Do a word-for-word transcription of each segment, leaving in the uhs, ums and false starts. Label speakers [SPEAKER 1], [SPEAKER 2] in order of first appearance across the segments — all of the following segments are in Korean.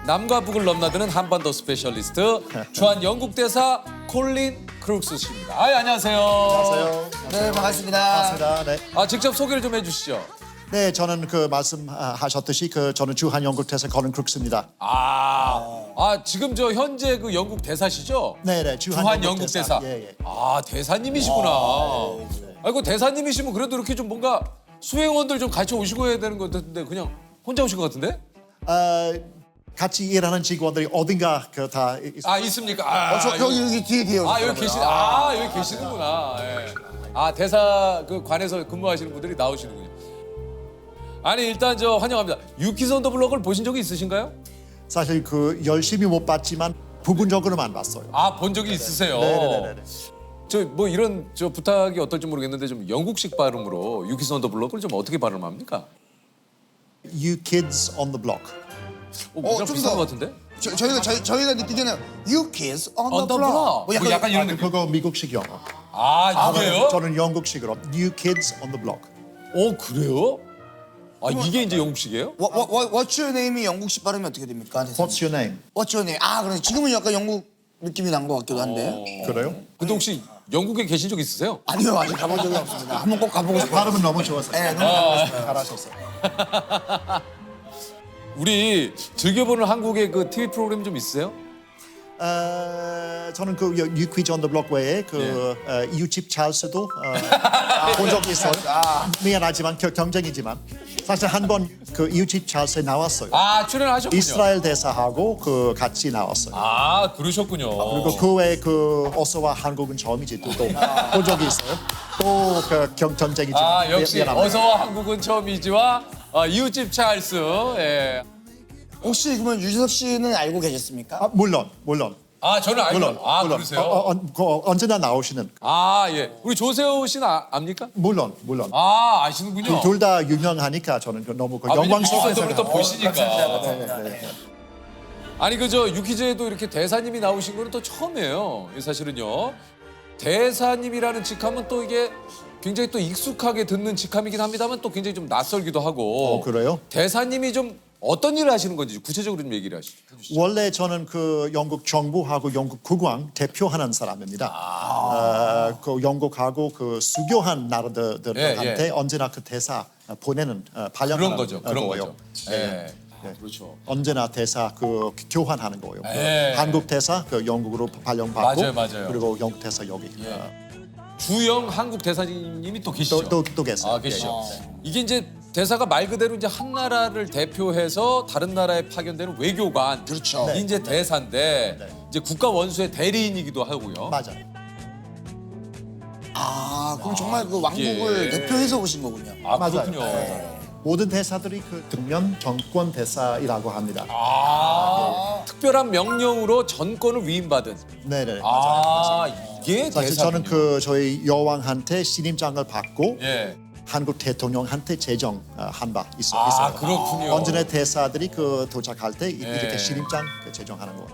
[SPEAKER 1] 남과 북을 넘나드는 한반도 스페셜리스트 주한 영국 대사 콜린 크룩스 씨입니다. 아, 안녕하세요.
[SPEAKER 2] 안녕하세요.
[SPEAKER 3] 네, 반갑습니다.
[SPEAKER 2] 반갑습니다. 네.
[SPEAKER 1] 아, 직접 소개를 좀 해주시죠.
[SPEAKER 2] 네, 저는 그 말씀하셨듯이 그 저는 주한 영국 대사 콜린 크룩스입니다.
[SPEAKER 1] 아, 아 지금 저 현재 그 영국 대사시죠?
[SPEAKER 2] 네, 네, 주한,
[SPEAKER 1] 주한
[SPEAKER 2] 영국,
[SPEAKER 1] 영국
[SPEAKER 2] 대사.
[SPEAKER 1] 대사.
[SPEAKER 2] 예, 예.
[SPEAKER 1] 아, 대사님이시구나. 아이고, 대사님이시면 그래도 이렇게 좀 뭔가 수행원들 좀 같이 오시고 해야 되는 것 같은데 그냥 혼자 오신 것 같은데?
[SPEAKER 2] 어, 같이 일하는 직원들이 어딘가 그 다
[SPEAKER 1] 아, 있습니까? 아,
[SPEAKER 3] 어, 저
[SPEAKER 1] 이거-
[SPEAKER 3] 여기 여기 뒤에 뒤에
[SPEAKER 1] 아, 여기 계시, 아, 여기 계시는구나. 예. 아, 대사 그 관에서 근무하시는 분들이 나오시는군요. 아니, 일단 저 환영합니다. 유키즈 온 더 블럭을 보신 적이 있으신가요?
[SPEAKER 2] 사실 그 열심히 못 봤지만 부분적으로만 봤어요.
[SPEAKER 1] 아, 본 적이 있으세요?
[SPEAKER 2] 네, 네, 네, 네.
[SPEAKER 1] 저 뭐 이런 저 부탁이 어떨지 모르겠는데 좀 영국식 발음으로 유키즈 온 더 블럭을 좀 어떻게 발음합니까?
[SPEAKER 2] You kids on the block.
[SPEAKER 1] 어,
[SPEAKER 3] 어,
[SPEAKER 1] 그냥
[SPEAKER 3] 좀
[SPEAKER 1] 비슷한
[SPEAKER 3] 더.
[SPEAKER 1] 것 같은데?
[SPEAKER 3] 저, 저희가 저희, 저희가 느끼잖아요. You kids on,
[SPEAKER 1] On
[SPEAKER 3] the
[SPEAKER 1] the
[SPEAKER 3] block.
[SPEAKER 1] block.
[SPEAKER 3] 뭐 약간,
[SPEAKER 1] 뭐 약간 이런
[SPEAKER 2] 아,
[SPEAKER 1] 느낌.
[SPEAKER 2] 그거 미국식 영어.
[SPEAKER 1] 아, 이게요?
[SPEAKER 2] 저는 영국식으로 You kids on the block.
[SPEAKER 1] 어, 그래요? 아, 이게 이제 영국식이에요?
[SPEAKER 3] what, what, what, what's your name이 영국식 발음이 어떻게 됩니까? 대사님?
[SPEAKER 2] What's your name?
[SPEAKER 3] What's your name? 아, 그래 지금은 약간 영국 느낌이 난 것 같기도 한데.
[SPEAKER 1] 어.
[SPEAKER 2] 그래요?
[SPEAKER 1] 근데 혹시 영국에 계신 적 있으세요?
[SPEAKER 3] 아니요, 아직 가본 적이 없습니다. 한번 꼭 가보고 싶어요.
[SPEAKER 2] 발음은 너무 좋았어요.
[SPEAKER 3] 네, 너무 가보고 싶어요.
[SPEAKER 2] 잘하셨어요.
[SPEAKER 1] 우리 즐겨보는 한국의 그 티비 프로그램 좀 있으세요?
[SPEAKER 2] 어, 저는 그 You quiz on the block 외에 그
[SPEAKER 1] 예.
[SPEAKER 2] 어, 이웃집 찰스도 어, 본 적이 있어요. 미안하지만 겨- 경쟁이지만 사실 한 번 그 이웃집 찰스에 나왔어요.
[SPEAKER 1] 아, 출연하셨군요.
[SPEAKER 2] 이스라엘 대사하고 그 같이 나왔어요.
[SPEAKER 1] 아, 그러셨군요.
[SPEAKER 2] 그리고 그 외에 그 어서와 한국은 처음이지 또 본 적이 있어요. 또 그 경쟁이지만
[SPEAKER 1] 아, 역시
[SPEAKER 2] 미안합니다.
[SPEAKER 1] 어서와 한국은 처음이지와 어, 이웃집 찰스. 예.
[SPEAKER 3] 혹시 그러면 유재석 씨는 알고 계셨습니까?
[SPEAKER 2] 아, 물론 물론
[SPEAKER 1] 아, 저는 알고.
[SPEAKER 2] 물론
[SPEAKER 1] 아,
[SPEAKER 2] 물론
[SPEAKER 1] 그러세요?
[SPEAKER 2] 어, 어, 어, 그 언제나 나오시는
[SPEAKER 1] 아, 예. 우리 조세호 씨는 아, 압니까?
[SPEAKER 2] 물론 물론
[SPEAKER 1] 아, 아시는군요.
[SPEAKER 2] 둘 다 유명하니까 저는 그 너무 그
[SPEAKER 1] 아, 왜냐면
[SPEAKER 2] 영광스러워서
[SPEAKER 1] 유튜브를 또 보시니까.
[SPEAKER 2] 네, 네.
[SPEAKER 1] 아니 그저 유키즈에도 이렇게 대사님이 나오신 거는 또 처음이에요. 이 사실은요. 대사님이라는 직함은 또 이게 굉장히 또 익숙하게 듣는 직함이긴 합니다만 또 굉장히 좀 낯설기도 하고.
[SPEAKER 2] 어, 그래요?
[SPEAKER 1] 대사님이 좀 어떤 일을 하시는 건지 구체적으로 좀 얘기를 하시- 해주시죠.
[SPEAKER 2] 원래 저는 그 영국 정부하고 영국 국왕 대표하는 사람입니다.
[SPEAKER 1] 아.
[SPEAKER 2] 어, 그 영국하고 그 수교한 나라들한테
[SPEAKER 1] 예, 예.
[SPEAKER 2] 언제나 그 대사 보내는 어, 발령하는
[SPEAKER 1] 그런 거죠. 그런
[SPEAKER 2] 거예요.
[SPEAKER 1] 거죠. 예. 그렇죠.
[SPEAKER 2] 언제나 대사 그 교환하는 거예요. 그
[SPEAKER 1] 예.
[SPEAKER 2] 한국 대사 그 영국으로 발령받고
[SPEAKER 1] 맞아요, 맞아요.
[SPEAKER 2] 그리고 영국 대사 여기
[SPEAKER 1] 예.
[SPEAKER 2] 어,
[SPEAKER 1] 주영 한국 대사님이 또 계시죠.
[SPEAKER 2] 또, 또, 또 계세요.
[SPEAKER 1] 아, 계시죠. 이게 이제 대사가 말 그대로 이제 한 나라를 대표해서 다른 나라에 파견되는 외교관.
[SPEAKER 3] 그렇죠.
[SPEAKER 1] 이 이제 대사인데
[SPEAKER 2] 네.
[SPEAKER 1] 이제 국가 원수의 대리인이기도 하고요.
[SPEAKER 2] 맞아요.
[SPEAKER 3] 아, 그럼 정말 그 왕국을
[SPEAKER 1] 예.
[SPEAKER 3] 대표해서 오신 거군요.
[SPEAKER 1] 아,
[SPEAKER 2] 맞아요.
[SPEAKER 1] 그렇군요.
[SPEAKER 2] 모든 대사들이 그 등면 정권 대사이라고 합니다.
[SPEAKER 1] 아, 특별한 명령으로 전권을 위임받은.
[SPEAKER 2] 네네.
[SPEAKER 1] 아, 이게
[SPEAKER 2] 사실
[SPEAKER 1] 대사군요.
[SPEAKER 2] 저는 그 저희 여왕한테 신임장을 받고
[SPEAKER 1] 예.
[SPEAKER 2] 한국 대통령한테 제정한 바 있어,
[SPEAKER 1] 아,
[SPEAKER 2] 있어요.
[SPEAKER 1] 그렇군요.
[SPEAKER 2] 언제나 대사들이 그 도착할 때 이-
[SPEAKER 1] 예.
[SPEAKER 2] 이렇게 신임장 그 제정하는 거.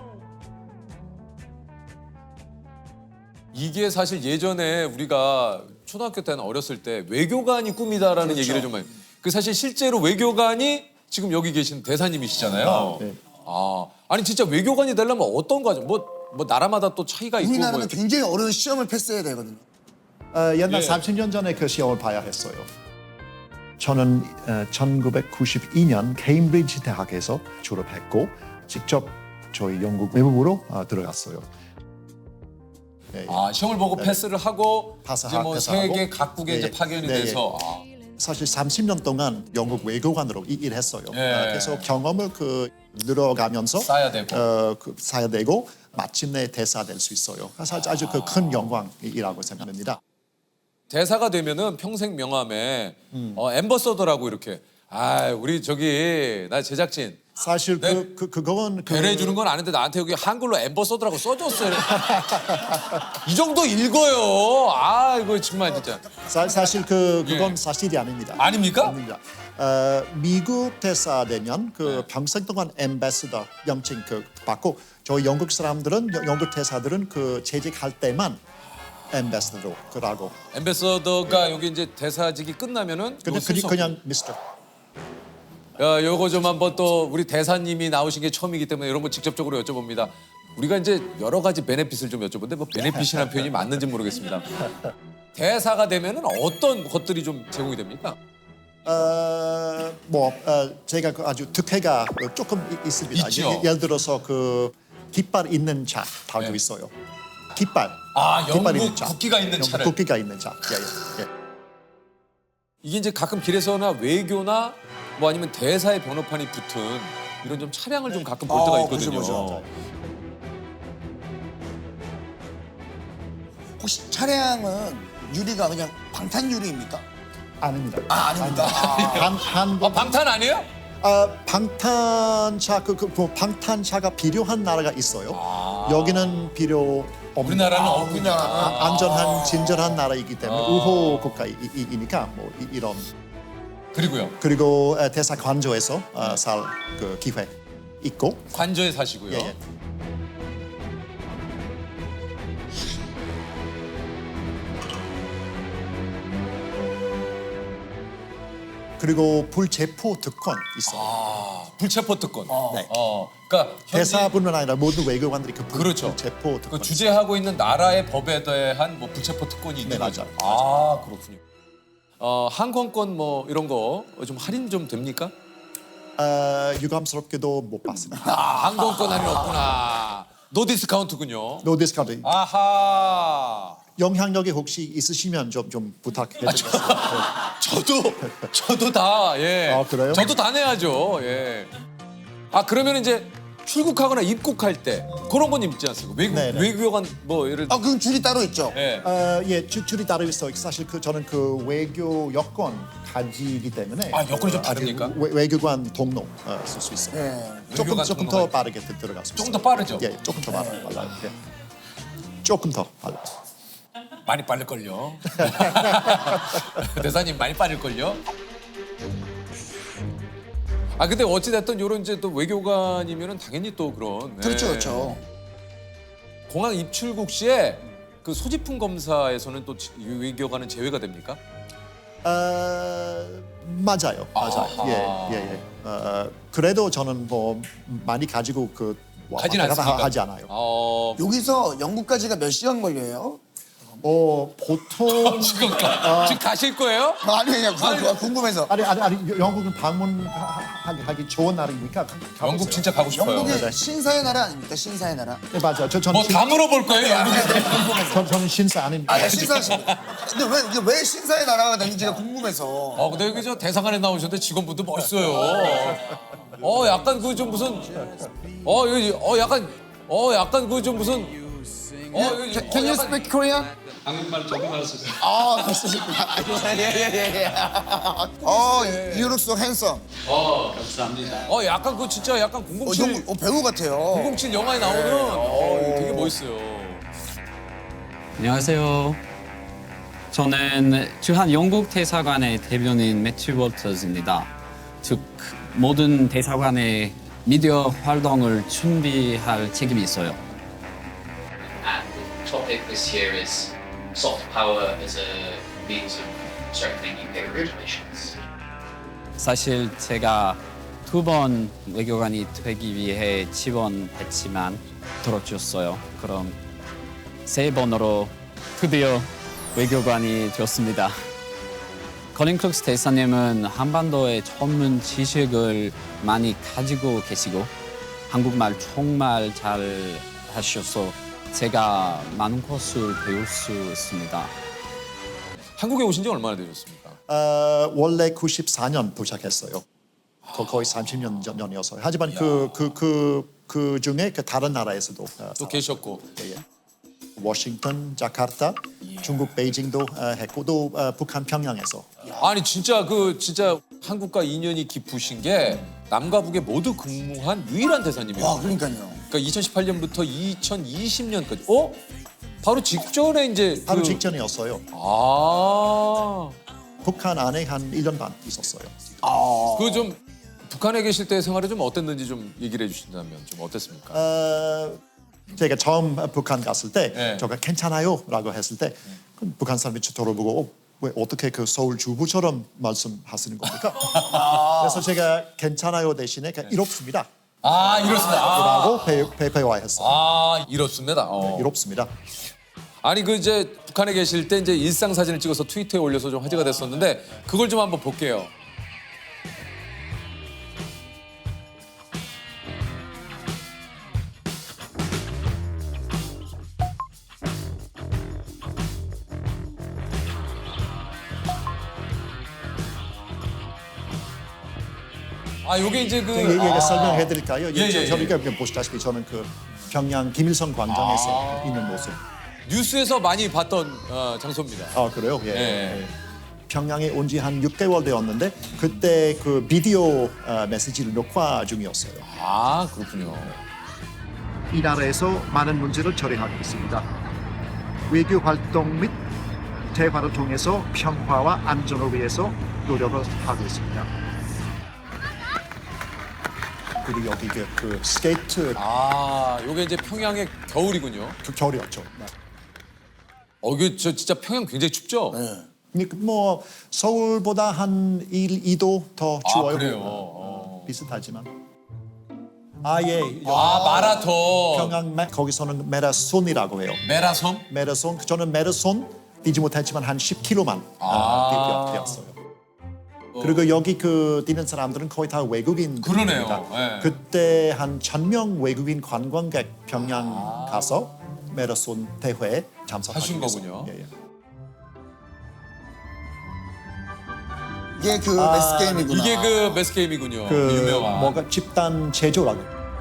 [SPEAKER 1] 이게 사실 예전에 우리가 초등학교 때는 어렸을 때 외교관이 꿈이다라는
[SPEAKER 2] 그렇죠.
[SPEAKER 1] 얘기를 좀 많이. 그 사실 실제로 외교관이 지금 여기 계신 대사님이시잖아요.
[SPEAKER 2] 아, 네.
[SPEAKER 1] 아, 아니 진짜 외교관이 되려면 어떤 과정? 뭐, 뭐 나라마다 또 차이가 있고 뭐.
[SPEAKER 3] 우리나라는 굉장히 어려운 시험을 패스해야 되거든요.
[SPEAKER 2] 어, 옛날
[SPEAKER 1] 예.
[SPEAKER 2] 삼십 년 전에 그 시험을 봐야 했어요. 저는 어, 천구백구십이 년 케임브리지 대학에서 졸업했고 직접 저희 영국 외무부로 어, 들어갔어요. 네,
[SPEAKER 1] 아, 시험을 보고 패스를 하고
[SPEAKER 2] 파사-
[SPEAKER 1] 이제 뭐
[SPEAKER 2] 패스하고.
[SPEAKER 1] 세계 각국에
[SPEAKER 2] 네,
[SPEAKER 1] 이제 파견이
[SPEAKER 2] 네,
[SPEAKER 1] 돼서 아,
[SPEAKER 2] 사실 삼십 년 동안 영국 외교관으로 이- 일했어요.
[SPEAKER 1] 예.
[SPEAKER 2] 어, 그래서 경험을 그 늘어가면서
[SPEAKER 1] 쌓아야 되고.
[SPEAKER 2] 어, 그 쌓아야 되고 마침내 대사 될 수 있어요. 사실 아주 그 큰 영광이라고 생각합니다.
[SPEAKER 1] 대사가 되면은 평생 명함에
[SPEAKER 2] 음.
[SPEAKER 1] 어, 엠버서더라고 이렇게. 아, 우리 저기 나 제작진
[SPEAKER 2] 사실
[SPEAKER 1] 네.
[SPEAKER 2] 그, 그 그건 그
[SPEAKER 1] 배려해 주는 건 아는데 나한테 여기 한글로 엠버서더라고 써줬어요. 이 정도 읽어요. 아, 이거 정말 진짜.
[SPEAKER 2] 사, 사실 그 그건
[SPEAKER 1] 예.
[SPEAKER 2] 사실이 아닙니다.
[SPEAKER 1] 아닙니까?
[SPEAKER 2] 아닙니다. 어, 미국 대사 되면 그
[SPEAKER 1] 네.
[SPEAKER 2] 평생 동안 엠베서더 명칭 그 받고 저희 영국 사람들은 여- 영국 대사들은 그 재직할 때만 엠베서더로 그러고
[SPEAKER 1] 엠베서더가 여기 이제 대사직이 끝나면은
[SPEAKER 2] 그냥
[SPEAKER 1] 요거 쓸
[SPEAKER 2] 그냥,
[SPEAKER 1] 수
[SPEAKER 2] 그냥 미스터
[SPEAKER 1] 야, 요거 좀 한번 또 우리 대사님이 나오신 게 처음이기 때문에 이런 거 직접적으로 여쭤봅니다. 우리가 이제 여러 가지 베네핏을 좀 여쭤보는데 뭐 베네핏이라는 표현이 맞는지 모르겠습니다. 대사가 되면은 어떤 것들이 좀 제공이 됩니까?
[SPEAKER 2] 어, 뭐 어, 제가 그 아주 특혜가 조금 이- 있습니다.
[SPEAKER 1] 있죠.
[SPEAKER 2] 예, 예를 들어서 그 깃발 있는 차 달고
[SPEAKER 1] 네.
[SPEAKER 2] 있어요. 깃발.
[SPEAKER 1] 아,
[SPEAKER 2] 깃발
[SPEAKER 1] 영국
[SPEAKER 2] 있는 차.
[SPEAKER 1] 국기가 있는
[SPEAKER 2] 영국
[SPEAKER 1] 차를.
[SPEAKER 2] 국기가 있는 차. 예, 예, 예.
[SPEAKER 1] 이게 이제 가끔 길에서나 외교나 뭐 아니면 대사의 번호판이 붙은 이런 좀 차량을 좀 가끔 볼 때가
[SPEAKER 3] 어,
[SPEAKER 1] 있거든요.
[SPEAKER 3] 그죠, 그죠. 혹시 차량은 유리가 그냥 방탄 유리입니까?
[SPEAKER 2] 아닙니다.
[SPEAKER 3] 아, 아닙니다.
[SPEAKER 2] 한, 한
[SPEAKER 1] 아,
[SPEAKER 2] 번,
[SPEAKER 1] 방탄 아니에요?
[SPEAKER 2] 아, 방탄차 그, 그, 그 방탄차가 필요한 나라가 있어요.
[SPEAKER 1] 아.
[SPEAKER 2] 여기는 필요 없는.
[SPEAKER 1] 우리나라는
[SPEAKER 3] 아,
[SPEAKER 1] 없군요.
[SPEAKER 3] 우리나라.
[SPEAKER 2] 아, 안전한 진절한 나라이기 때문에
[SPEAKER 1] 아.
[SPEAKER 2] 우호 국가이니까 뭐 이, 이런.
[SPEAKER 1] 그리고요.
[SPEAKER 2] 그리고 어, 대사 관저에서 어, 살 그 기회 있고.
[SPEAKER 1] 관저에 사시고요.
[SPEAKER 2] 예, 예. 그리고 불체포 특권 있어요.
[SPEAKER 1] 아, 불체포 특권.
[SPEAKER 2] 네.
[SPEAKER 1] 어, 그러니까 현지
[SPEAKER 2] 대사뿐만 아니라 모든 외교관들이 그 불,
[SPEAKER 1] 그렇죠.
[SPEAKER 2] 불체포 특권.
[SPEAKER 1] 그 주재하고 있는 나라의 법에 대한 뭐 불체포 특권이 있는
[SPEAKER 2] 네,
[SPEAKER 1] 거죠.
[SPEAKER 2] 맞아요.
[SPEAKER 1] 아, 그렇군요. 어, 항공권 뭐 이런 거 좀 할인 좀 됩니까?
[SPEAKER 2] 어, 유감스럽게도 못 봤습니다.
[SPEAKER 1] 아, 항공권 할인 없구나. 노 디스카운트군요.
[SPEAKER 2] 노 디스카운트.
[SPEAKER 1] 아하.
[SPEAKER 2] 영향력이 혹시 있으시면 좀 좀 부탁해드리겠습니다.
[SPEAKER 1] 저도 저도 다 예.
[SPEAKER 2] 아, 그래요?
[SPEAKER 1] 저도 다 내야죠. 예. 아 그러면 이제 출국하거나 입국할 때 그런 건 있지 않습니까? 외국
[SPEAKER 2] 네네.
[SPEAKER 1] 외교관 뭐 예를
[SPEAKER 3] 아, 그럼 줄이 따로 있죠?
[SPEAKER 1] 예.
[SPEAKER 2] 어, 예, 주, 줄이 따로 있어. 사실 그 저는 그 외교 여권 가지기 때문에.
[SPEAKER 1] 아, 여권이 좀
[SPEAKER 2] 어, 아직
[SPEAKER 1] 다릅니까?
[SPEAKER 2] 외, 외교관 동로 어, 쓸 수 있어요.
[SPEAKER 3] 예.
[SPEAKER 2] 조금
[SPEAKER 1] 외교관
[SPEAKER 2] 조금
[SPEAKER 1] 동로가
[SPEAKER 2] 더 빠르게 들- 들어갈 수 있어요.
[SPEAKER 1] 조금 더 빠르죠?
[SPEAKER 2] 예, 조금 더 빨라요. 빨라요. 예. 조금 더 빨라요.
[SPEAKER 1] 많이 빠를 걸요. 대사님 많이 빠를 걸요. 아 근데 어찌 됐든 요런 이제 또 외교관이면은 당연히 또 그런
[SPEAKER 3] 그렇죠,
[SPEAKER 1] 예.
[SPEAKER 3] 그렇죠.
[SPEAKER 1] 공항 입출국 시에 그 소지품 검사에서는 또 지- 외교관은 제외가 됩니까?
[SPEAKER 2] 어, 맞아요, 맞아요.
[SPEAKER 1] 아하.
[SPEAKER 2] 예, 예, 예. 어, 그래도 저는 뭐 많이 가지고 그 와-
[SPEAKER 1] 가진
[SPEAKER 2] 왔다 갔다
[SPEAKER 1] 않습니까?
[SPEAKER 2] 하지 않아요.
[SPEAKER 1] 어,
[SPEAKER 3] 여기서 영국까지가 몇 시간 걸려요?
[SPEAKER 2] 어, 보통
[SPEAKER 1] 지금 가, 지금 가실 거예요?
[SPEAKER 3] 아니, 그냥 구- 궁금해서.
[SPEAKER 2] 아니 아니 아니 영국은 방문하기 좋은 나라니까 가- 가보세요.
[SPEAKER 1] 영국 진짜 가고 싶어요.
[SPEAKER 3] 영국이
[SPEAKER 2] 네.
[SPEAKER 3] 신사의 나라 아닙니까? 신사의 나라?
[SPEAKER 2] 네, 맞아요. 저 저는
[SPEAKER 1] 뭐 다 물어볼 거예요, 영국에.
[SPEAKER 2] 전, 저는 신사 아닙니다.
[SPEAKER 3] 아, 예, 신사. 근데 왜, 이게 왜 신사의 나라가 되는지가 궁금해서.
[SPEAKER 1] 어, 근데 여기 저 대사관에 나오셨는데 직원분들 멋있어요. 어, 약간 그 좀 무슨, 어, 여기, 어, 약간, 어, 약간 그 좀 무슨, 어, 여기,
[SPEAKER 3] Can,
[SPEAKER 1] 어,
[SPEAKER 3] can you
[SPEAKER 1] 약간-
[SPEAKER 3] speak Korean?
[SPEAKER 4] 한국말 조금 할 수 있어요.
[SPEAKER 3] 아, 그렇습니까? 예예예. 어, you look so handsome.
[SPEAKER 4] 어, 감사합니다.
[SPEAKER 1] 어, 약간 그 진짜 약간
[SPEAKER 3] 어,
[SPEAKER 1] 공공칠,
[SPEAKER 3] 영, 어, 배우 같아요.
[SPEAKER 1] 공공칠 영화에 나오는, 어, 이거 되게 멋있어요.
[SPEAKER 5] 안녕하세요. 저는 주한 영국 대사관의 대변인 매튜 월터즈입니다. 즉 모든 대사관의 미디어 활동을 준비할 책임이 있어요.
[SPEAKER 6] And the topic this year is soft power as a means of strengthening U K relations.
[SPEAKER 5] 사실 제가 두 번 외교관이 되기 위해 지원했지만 들어줬어요. 그럼 세 번으로 드디어 외교관이 되었습니다. 커린 클룩스 대사님은 한반도의 전문 지식을 많이 가지고 계시고 한국말 정말 잘 하셔서 제가 많은 것을 배울 수 있습니다.
[SPEAKER 1] 한국에 오신 지 얼마나 되셨습니까?
[SPEAKER 2] 어, 원래 구십사 년 도착했어요. 거- 거의 삼십 년 전이어서요. 하지만 그 그 그 그 중에 그 다른 나라에서도 어,
[SPEAKER 1] 또 계셨고.
[SPEAKER 2] 예, 예. 워싱턴, 자카르타, 중국 베이징도 어, 했고 또 어, 북한 평양에서.
[SPEAKER 1] 아니 진짜 그 진짜 한국과 인연이 깊으신 게 남과 북에 모두 근무한 유일한 대사님이에요.
[SPEAKER 3] 와, 그러니까요.
[SPEAKER 1] 그러니까 이천십팔 년부터 이천이십 년까지. 어? 바로 직전에 이제
[SPEAKER 2] 바로
[SPEAKER 1] 그...
[SPEAKER 2] 직전이었어요.
[SPEAKER 1] 아.
[SPEAKER 2] 북한 안에 한 일 년 반 있었어요.
[SPEAKER 1] 그 좀 북한에 계실 때 생활이 좀 어땠는지 좀 얘기를 해주신다면 좀 어땠습니까?
[SPEAKER 2] 어, 제가 처음 북한 갔을 때
[SPEAKER 1] 네.
[SPEAKER 2] 저가 괜찮아요라고 했을 때 북한 사람이 저 돌아보고 어, 왜 어떻게 그 서울 주부처럼 말씀하시는 겁니까? 그래서 제가 괜찮아요 대신에 그냥 이롭습니다.
[SPEAKER 1] 아 이렇습니다. 아,
[SPEAKER 2] 라고 배, 배, 배워했어요.
[SPEAKER 1] 아 이렇습니다. 어.
[SPEAKER 2] 이롭습니다.
[SPEAKER 1] 아니 그 이제 북한에 계실 때 이제 일상 사진을 찍어서 트위터에 올려서 좀 화제가 됐었는데 그걸 좀 한번 볼게요. 아 요게 이제 그
[SPEAKER 2] 얘기가
[SPEAKER 1] 아,
[SPEAKER 2] 설명해 드릴까요?
[SPEAKER 1] 예, 예, 예.
[SPEAKER 2] 저희가 보시다시피 저는 그 평양 김일성 광장에서
[SPEAKER 1] 아.
[SPEAKER 2] 있는 모습.
[SPEAKER 1] 뉴스에서 많이 봤던 어, 장소입니다.
[SPEAKER 2] 아 그래요? 예.
[SPEAKER 1] 예.
[SPEAKER 2] 예. 평양에 온 지 한 육 개월 되었는데 그때 그 비디오 어, 메시지를 녹화 중이었어요.
[SPEAKER 1] 아 그렇군요.
[SPEAKER 2] 이 나라에서 많은 문제를 처리하고 있습니다. 외교 활동 및 대화를 통해서 평화와 안전을 위해서 노력을 하고 있습니다. 그리고 여기 그, 그 스케이트
[SPEAKER 1] 아 요게 이제 평양의 겨울이군요.
[SPEAKER 2] 그 겨울이었죠.
[SPEAKER 1] 어 이게 저 진짜 평양 굉장히 춥죠?
[SPEAKER 2] 그러니까 뭐 서울보다 한 일, 이 도 더
[SPEAKER 1] 아
[SPEAKER 2] 추워요.
[SPEAKER 1] 그래요. 어.
[SPEAKER 2] 비슷하지만. 아 예.
[SPEAKER 1] 아 마라톤.
[SPEAKER 2] 평양 매, 거기서는 메라손이라고 해요.
[SPEAKER 1] 메라섬?
[SPEAKER 2] 메라손 저는 메라손 뛰지 못했지만 한 십 킬로미터만
[SPEAKER 1] 아.
[SPEAKER 2] 뛰었어요. 그리고 여기 그 뛰는 사람들은 거의 다 외국인.
[SPEAKER 1] 그러네요. 예.
[SPEAKER 2] 그때 한 천 명 외국인 관광객 평양
[SPEAKER 1] 아.
[SPEAKER 2] 가서 메라손 대회에 참석하기
[SPEAKER 1] 하신
[SPEAKER 2] 위해서.
[SPEAKER 1] 거군요.
[SPEAKER 2] 예, 예.
[SPEAKER 3] 이게 그
[SPEAKER 2] 아,
[SPEAKER 3] 매스 게임이구나.
[SPEAKER 1] 이게 그 매스 게임이군요.
[SPEAKER 2] 그
[SPEAKER 1] 유명한.
[SPEAKER 2] 뭐가 집단 제조라고.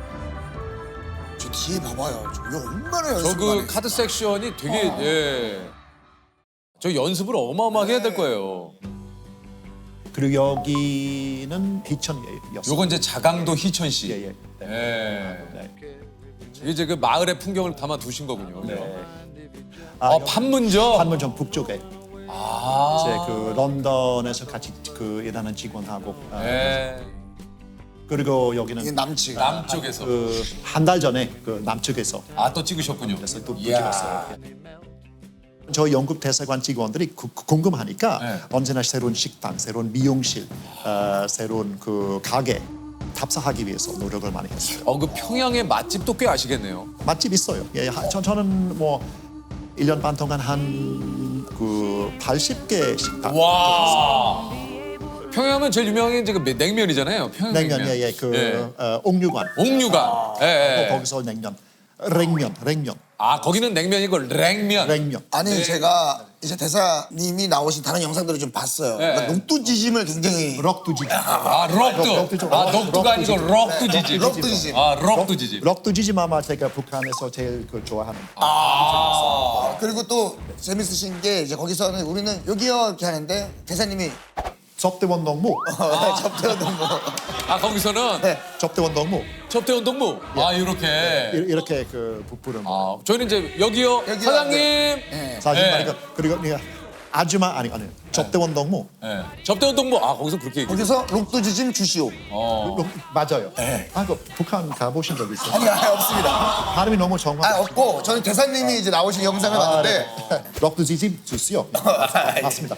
[SPEAKER 3] 저 뒤에 봐봐요. 저 이거 얼마나 연습
[SPEAKER 1] 저 그 카드 섹션이 되게 예. 저 연습을 어마어마하게 해야 될 거예요.
[SPEAKER 2] 그리고 여기는 희천이었어요.
[SPEAKER 1] 요건 이제 자강도 희천 씨.
[SPEAKER 2] 예, 예. 네.
[SPEAKER 1] 예.
[SPEAKER 2] 네.
[SPEAKER 1] 이게 이제 그 마을의 풍경을 담아 두신 거군요.
[SPEAKER 2] 네.
[SPEAKER 1] 아,
[SPEAKER 2] 여기
[SPEAKER 1] 판문점.
[SPEAKER 2] 판문점 북쪽에
[SPEAKER 1] 아.
[SPEAKER 2] 제 그 런던에서 같이 그 일하는 직원하고 아,
[SPEAKER 1] 예.
[SPEAKER 3] 이게
[SPEAKER 2] 그리고 여기는
[SPEAKER 3] 남측.
[SPEAKER 1] 남쪽에서.
[SPEAKER 2] 그 한 달 전에 그 남측에서
[SPEAKER 1] 아 또 찍으셨군요.
[SPEAKER 2] 그래서 또, 또
[SPEAKER 1] 이야.
[SPEAKER 2] 찍었어요. 저희 영국 대사관 직원들이 구- 구- 궁금하니까
[SPEAKER 1] 네.
[SPEAKER 2] 언제나 새로운 식당, 새로운 미용실, 어, 새로운 그 가게 답사하기 위해서 노력을 많이 했어요.
[SPEAKER 1] 어 그 평양의 맛집도 꽤 아시겠네요.
[SPEAKER 2] 맛집 있어요. 예, 하- 저, 저는 뭐 일 년 반 동안 한 그 팔십 개 식당.
[SPEAKER 1] 와. 평양은 제일 유명한 게 이제 그 냉면이잖아요. 평양 냉면.
[SPEAKER 2] 냉면, 예, 예, 그 어, 옥류관.
[SPEAKER 1] 옥류관. 예, 예.
[SPEAKER 2] 또 거기서 냉면, 냉면, 냉면,
[SPEAKER 1] 아 거기는 냉면이고 냉면.
[SPEAKER 2] 냉면.
[SPEAKER 3] 아니 제가 이제 대사님이 나오신 다른 영상들을 좀 봤어요.
[SPEAKER 1] 네.
[SPEAKER 3] 그러니까 녹두지짐을 굉장히
[SPEAKER 2] 럭두지짐.
[SPEAKER 1] 아 럭두.
[SPEAKER 2] 럭두죠.
[SPEAKER 1] 아 녹두가 아니고
[SPEAKER 2] 럭두지짐.
[SPEAKER 1] 럭두지집.
[SPEAKER 3] 럭두지짐.
[SPEAKER 1] 아 럭두지집.
[SPEAKER 2] 럭두지짐 아마 제가 북한에서 제일 그 좋아하는.
[SPEAKER 1] 아.
[SPEAKER 3] 그리고 또 재밌으신 게 이제 거기서는 우리는 여기요 이렇게 하는데 대사님이
[SPEAKER 2] 접대원 동무,
[SPEAKER 3] 접대하던 뭐
[SPEAKER 1] 아 거기서는
[SPEAKER 3] 네.
[SPEAKER 2] 접대원 동무
[SPEAKER 1] 접대원 동무. 아 이렇게.
[SPEAKER 2] 이- 이렇게 그 부르는 거.
[SPEAKER 1] 아 저희는 이제 여기요,
[SPEAKER 3] 여기요,
[SPEAKER 1] 사장님.
[SPEAKER 3] 네.
[SPEAKER 2] 사실
[SPEAKER 1] 네.
[SPEAKER 2] 말이니까 그리고 네가 아줌마 아니 아니 접대원 동무.
[SPEAKER 1] 예. 접대원 동무. 아 거기서 그렇게 얘기해요.
[SPEAKER 3] 거기서 녹두지짐 주시오.
[SPEAKER 1] 어.
[SPEAKER 2] 로- 맞아요. 아, 그 북한 가보신 적 있어요?
[SPEAKER 3] 아니 아니 없습니다.
[SPEAKER 2] 발음이 너무 정확.
[SPEAKER 3] 아 없고 저는 대사님이 이제 나오신 영상을 봤는데
[SPEAKER 2] 럭두지짐 주시오. 맞습니다.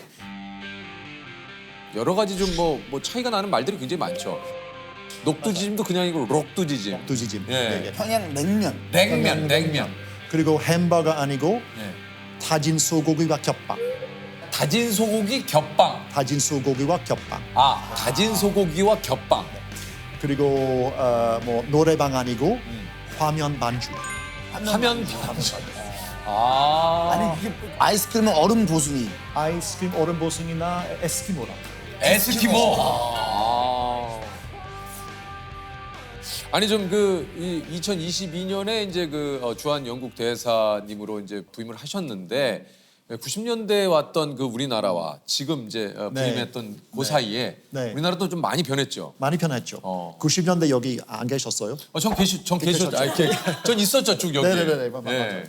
[SPEAKER 1] 여러 가지 좀 뭐 뭐 차이가 나는 말들이 굉장히 많죠. 녹두지짐도 그냥 이고 록두지짐.
[SPEAKER 2] 럭두지짐.
[SPEAKER 1] 예.
[SPEAKER 2] 예, 예.
[SPEAKER 3] 평양 냉면.
[SPEAKER 1] 냉면, 냉면.
[SPEAKER 2] 그리고 햄버거 아니고
[SPEAKER 1] 예.
[SPEAKER 2] 다진 소고기와 겹빵.
[SPEAKER 1] 다진 소고기 겹빵.
[SPEAKER 2] 다진 소고기와 겹빵.
[SPEAKER 1] 아 다진 소고기와 겹빵.
[SPEAKER 2] 그리고 어, 뭐 노래방 아니고 화면 반주.
[SPEAKER 1] 화면 반주. 아.
[SPEAKER 3] 아니 이게 아이스크림은 얼음 보순이.
[SPEAKER 2] 아이스크림 얼음 보승이나 에스키모라.
[SPEAKER 1] 에스키모. 아. 아니 좀 그 이천이십이 년에 이제 그 어, 주한 영국 대사님으로 이제 부임을 하셨는데 구십 년대에 왔던 그 우리나라와 지금 이제 어,
[SPEAKER 2] 네.
[SPEAKER 1] 부임했던 그 사이에
[SPEAKER 2] 네.
[SPEAKER 1] 우리나라도 좀 많이 변했죠.
[SPEAKER 2] 많이 편했죠.
[SPEAKER 1] 어.
[SPEAKER 2] 구십 년대 여기 안 계셨어요?
[SPEAKER 1] 어, 전 계시, 전 계셨,
[SPEAKER 2] 계셨죠.
[SPEAKER 1] 아, 이렇게, 전 있었죠 쭉 여기.
[SPEAKER 2] 네네네, 맞- 맞아요.
[SPEAKER 1] 예.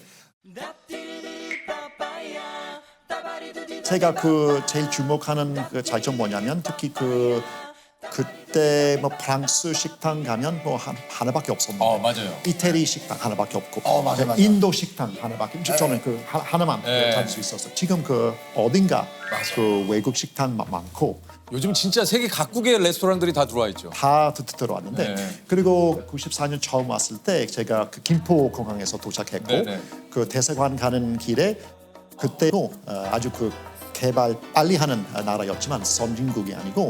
[SPEAKER 2] 제가 그 제일 주목하는 그 차이점 뭐냐면 특히 그 그때 뭐 프랑스 식당 가면 뭐 한, 하나밖에 없었는데
[SPEAKER 1] 어, 맞아요.
[SPEAKER 2] 이태리 식당 하나밖에 없고
[SPEAKER 3] 어, 맞아, 맞아.
[SPEAKER 2] 인도 식당 하나밖에 저는 그 하, 하나만
[SPEAKER 1] 네.
[SPEAKER 2] 갈 수 있었어요. 지금 그 어딘가 그 외국 식당 마- 많고
[SPEAKER 1] 요즘 진짜 세계 각국의 레스토랑들이 다 들어와 있죠.
[SPEAKER 2] 다 드- 들어왔는데
[SPEAKER 1] 네.
[SPEAKER 2] 그리고 구십사 년 처음 왔을 때 제가 그 김포 공항에서 도착했고
[SPEAKER 1] 네, 네.
[SPEAKER 2] 그 대사관 가는 길에 그때도 어, 아주 그 개발 빨리 하는 나라였지만 선진국이 아니고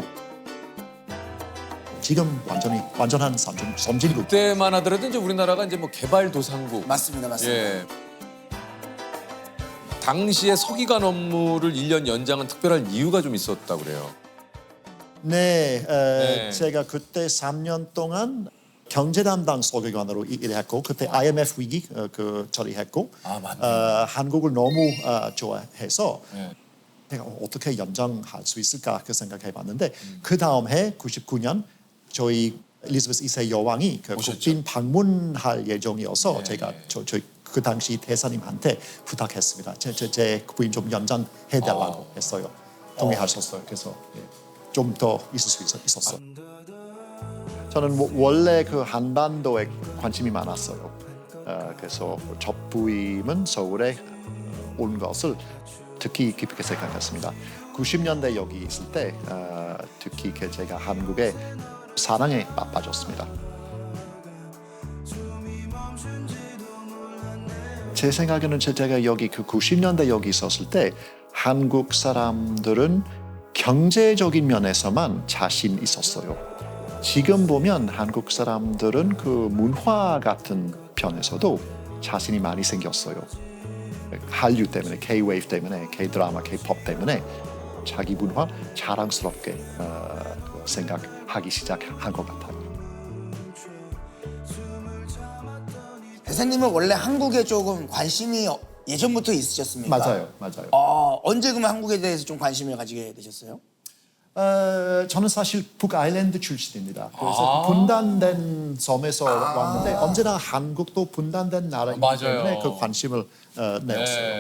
[SPEAKER 2] 지금 완전히 완전한 선진 선진국.
[SPEAKER 1] 그때만 하더라도 이제 우리나라가 이제 뭐 개발도상국.
[SPEAKER 3] 맞습니다, 맞습니다.
[SPEAKER 1] 예. 당시에 서기관 업무를 일 년 연장한 특별한 이유가 좀 있었다고 그래요.
[SPEAKER 2] 네, 에,
[SPEAKER 1] 네.
[SPEAKER 2] 제가 그때 삼 년 동안 경제 담당 서기관으로 이- 일했고 그때 아이엠에프 위기 어, 그 처리했고
[SPEAKER 1] 아, 맞네.
[SPEAKER 2] 어, 한국을 너무 어, 좋아해서
[SPEAKER 1] 예.
[SPEAKER 2] 내가 어떻게 연장할 수 있을까 그 생각해봤는데 그 다음 해 구십구 년 저희 엘리자베스 이 세 여왕이 그
[SPEAKER 1] 오셨죠.
[SPEAKER 2] 국빈 방문할 예정이어서
[SPEAKER 1] 네.
[SPEAKER 2] 제가 저, 저, 그 당시 대사님한테 부탁했습니다. 제, 제, 제 부인 좀 연장해달라고
[SPEAKER 1] 어.
[SPEAKER 2] 했어요. 동의하셨어요. 그래서 좀 더 있을 수 있, 있었어요. 저는 뭐 원래 그 한반도에 관심이 많았어요. 어, 그래서 첫 부임은 서울에 온 것을 특히 깊게 생각했습니다. 구십 년대 여기 있을 때 어, 특히 그 제가 한국의 사랑에 빠- 빠졌습니다. 제 생각에는 제가 여기 그 구십 년대 여기 있었을 때 한국 사람들은 경제적인 면에서만 자신 있었어요. 지금 보면 한국 사람들은 그 문화 같은 편에서도 자신이 많이 생겼어요. 한류 때문에, K-웨이브 때문에, K-드라마, K-팝 때문에 자기 문화 자랑스럽게 어, 생각하기 시작한 것 같아요.
[SPEAKER 3] 대사님은 원래 한국에 조금 관심이 어- 예전부터 있으셨습니까?
[SPEAKER 2] 맞아요, 맞아요.
[SPEAKER 3] 어, 언제 그러면 한국에 대해서 좀 관심을 가지게 되셨어요?
[SPEAKER 2] 어, 저는 사실 북아일랜드 출신입니다. 그래서
[SPEAKER 1] 아.
[SPEAKER 2] 분단된 섬에서 왔는데 언제나 한국도 분단된 나라이기
[SPEAKER 1] 맞아요.
[SPEAKER 2] 때문에 그 관심을 어, 내었어요.
[SPEAKER 1] 네.